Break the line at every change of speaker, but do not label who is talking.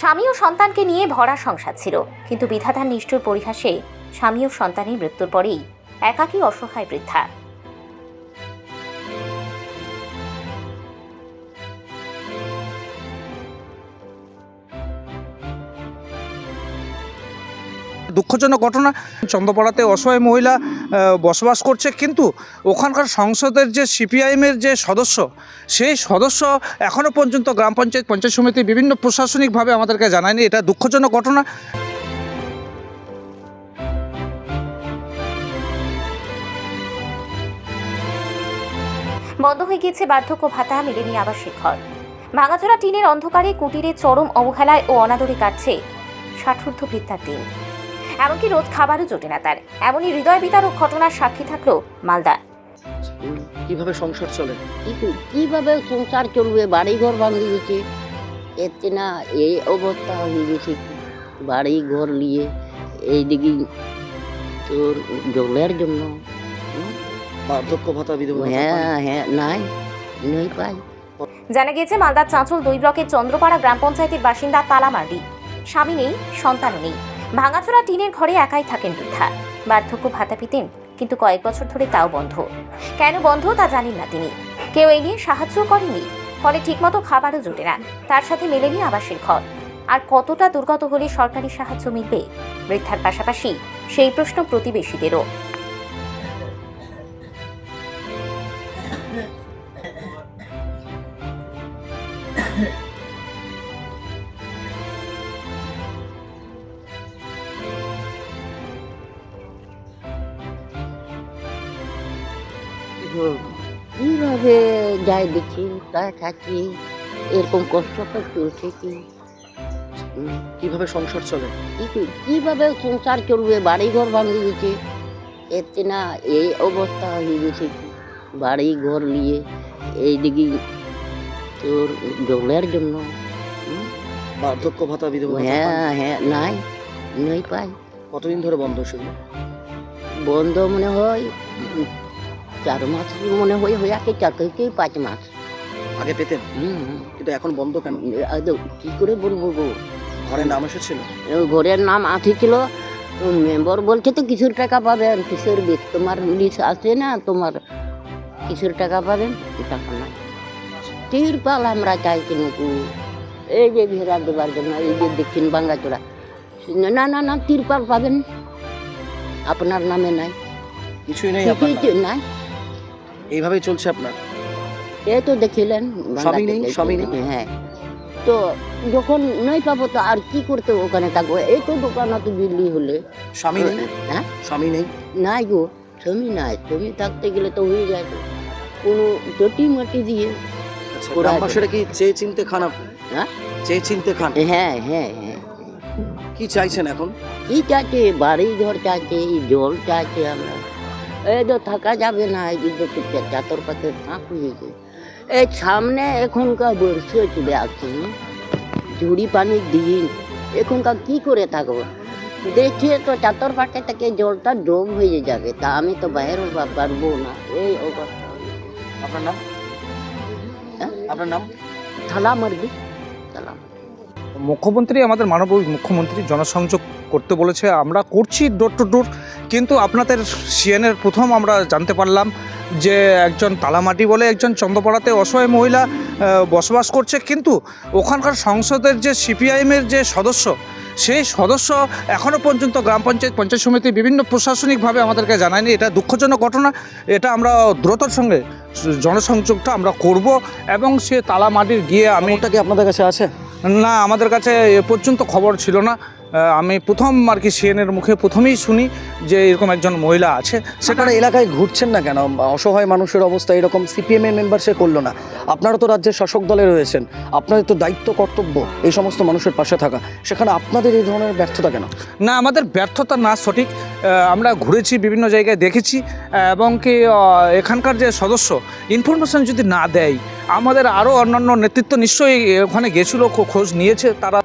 স্বামী ও সন্তানকে নিয়ে ভরা সংসার ছিল, কিন্তু বিধাতার নিষ্ঠুর পরিহাসে স্বামী ও সন্তানের মৃত্যুর পরেই একাকী অসহায় বৃদ্ধা।
দুঃখজনক ঘটনা। চন্দ্রপাড়াতে অসহায় মহিলা বসবাস করছে, কিন্তু ওখানকার সংসদের যে সিপিআইএমের যে সদস্য, সেই সদস্য এখনও পর্যন্ত গ্রাম পঞ্চায়েত, পঞ্চায়েত সমিতি বিভিন্ন প্রশাসনিকভাবে আমাদেরকে জানায়নি। এটা দুঃখজনক ঘটনা।
বন্ধ হয়ে গিয়েছে বার্ধক্য ভাতা, মেলেনি আবাসিক ঘর। ভাঙাচোরা টিনের অন্ধকারে কুটিরে চরম অবহেলায় ও অনাদরে কাটছে ষাটূর্ধ্ব বৃদ্ধার দিন। এমনকি রোজ খাবারও জোটে না তার। এমনই হৃদয় বিতারক ঘটনার সাক্ষী থাকলো মালদা।
কিভাবে সংসার চলে?
কিভাবে সংসার চলবে? বাড়ি ঘর ভাঙে গেছে, এতে না এই অবস্থা হয়ে গেছে। বাড়ি ঘর নিয়ে এইদিকে তোর জলের জন্য
বার্ধক্য ভাতা, বিধবা
হ্যাঁ নাই পাই।
জানা গিয়েছে মালদার চাঁচল 2 ব্লকের চন্দ্রপাড়া গ্রাম পঞ্চায়েতের বাসিন্দা তালামার্ডি। স্বামী নেই, সন্তানও নেই। ভাঙাচোরা টিনের ঘরে একাই থাকেন বৃদ্ধা। বার্ধক্য ভাতা পেতেন, কিন্তু কয়েক বছর ধরে তাও বন্ধ। কেন বন্ধ তা জানেন না তিনি। কেউ এই নিয়ে সাহায্য করেনি, ফলে ঠিকমতো খাবারও জোটে না। তার সাথে মেলেনি আবাসের ঘর। আর কতটা দুর্গত হলে সরকারি সাহায্য মিলবে? বৃদ্ধার পাশাপাশি সেই প্রশ্ন প্রতিবেশীদেরও।
কিভাবে যাই দেখি তাই থাকি, এরকম কষ্ট তো চলছে।
কিভাবে সংসার চলে?
কিভাবে সংসার চলবে? বাড়ি ঘর ভাঙে গেছে, এতে না এই অবস্থা হয়ে গেছে। বাড়ি ঘর নিয়ে এইদিকে তোর জলের জন্য
বার্ধক্য ভাতা, বিধবা
হ্যাঁ নাই পাই।
কতদিন ধরে বন্ধ ছিল?
বন্ধ মনে হয় 4 মাস, মনে হয় হয়ে 4 থেকে 5 মাস
আগে পেতেন, কিন্তু এখন বন্ধ কেন?
কি করে বলবো গো?
ঘরের নাম এসেছিল?
ঘরের নাম আসছিল, মেম্বার বলছে তো কিছুর টাকা পাবেন। কিসের বেশ তোমার লিস্ট আসে না, তোমার কিসের টাকা পাবেন? টাকা নাই। তিরপাল আমরা চাইছি নুকু, এই যে ঘেরা দেবার জন্য, এই যে দেখছেন ভাঙাচোরা। না তিরপাল পাবেন, আপনার নামে নাই,
কিছুই নেই।
নাই।
এইভাবেই চলছে আপনার?
এই তো দেখিলেন,
স্বামী নেই।
হ্যাঁ, তো যখন নাই পাবো তো আর কি করতে ওখানে থাকবো? এই তো দোকানে তো বিল্লি হলে।
স্বামী নেই?
হ্যাঁ,
স্বামী নেই।
নাই গো, স্বামী নাই। স্বামী থাকতে গেলে তো হয়ে যায় তো কোনো চটি মাটি দিয়ে।
গ্রামবাসীরা কি চেয়ে চিনতে খান আপনি?
হ্যাঁ,
চেয়ে চিনতে খান?
হ্যাঁ।
কি চাইছেন এখন?
কি চাইছে? বাড়ি ঘর চাইছে, জল চাইছে। আমরা এই তো থাকা যাবে না, এই যে চাতর পাতের ফাঁক হয়েছে। এই সামনে এখনকার বর্ষা চলে আসছে, ঝুড়ি পানির দিন, এখনকার কি করে থাকবো? দেখে তো চাতর পাটে থেকে জলটা ডোব হয়ে যাবে, তা আমি তো বাইরে পারবো না। এই অবস্থা।
আপনার নাম?
হ্যাঁ,
আপনার নাম?
তালামার্ডি।
মুখ্যমন্ত্রী, আমাদের মাননীয় মুখ্যমন্ত্রী জনসংযোগ করতে বলেছে, আমরা করছি ডোর টু ডোর। কিন্তু আপনাদের সিএনের প্রথম আমরা জানতে পারলাম যে একজন তালামাটি বলে একজন চন্দ্রপাড়াতে অসহায় মহিলা বসবাস করছে, কিন্তু ওখানকার সংসদের যে সিপিআইএমের যে সদস্য, সেই সদস্য এখনও পর্যন্ত গ্রাম পঞ্চায়েত, পঞ্চায়েত সমিতি বিভিন্ন প্রশাসনিকভাবে আমাদেরকে জানায়নি। এটা দুঃখজনক ঘটনা। এটা আমরা দ্রুতর সঙ্গে জনসংযোগটা আমরা করব, এবং সে তালামাটির গিয়ে আমি
কি আপনাদের কাছে আছে?
না, আমাদের কাছে এ পর্যন্ত খবর ছিল না। আমি প্রথম আর কি সিএনের মুখে প্রথমেই শুনি যে এরকম একজন মহিলা আছে।
সেখানে এলাকায় ঘুরছেন না কেন? অসহায় মানুষের অবস্থা এরকম, সিপিএম এর মেম্বার সে করলো না। আপনারা তো রাজ্যের শাসক দলে রয়েছেন, আপনাদের তো দায়িত্ব কর্তব্য এই সমস্ত মানুষের পাশে থাকা। সেখানে আপনাদের এই ধরনের ব্যর্থতা কেন?
না, আমাদের ব্যর্থতা না, সঠিক। আমরা ঘুরেছি, বিভিন্ন জায়গায় দেখেছি, এবং কি এখানকার যে সদস্য ইনফরমেশন যদি না দেয়, আমাদের আরও অন্যান্য নেতৃত্ব নিশ্চয়ই ওখানে গেছিলো, খোঁজ নিয়েছে তারা।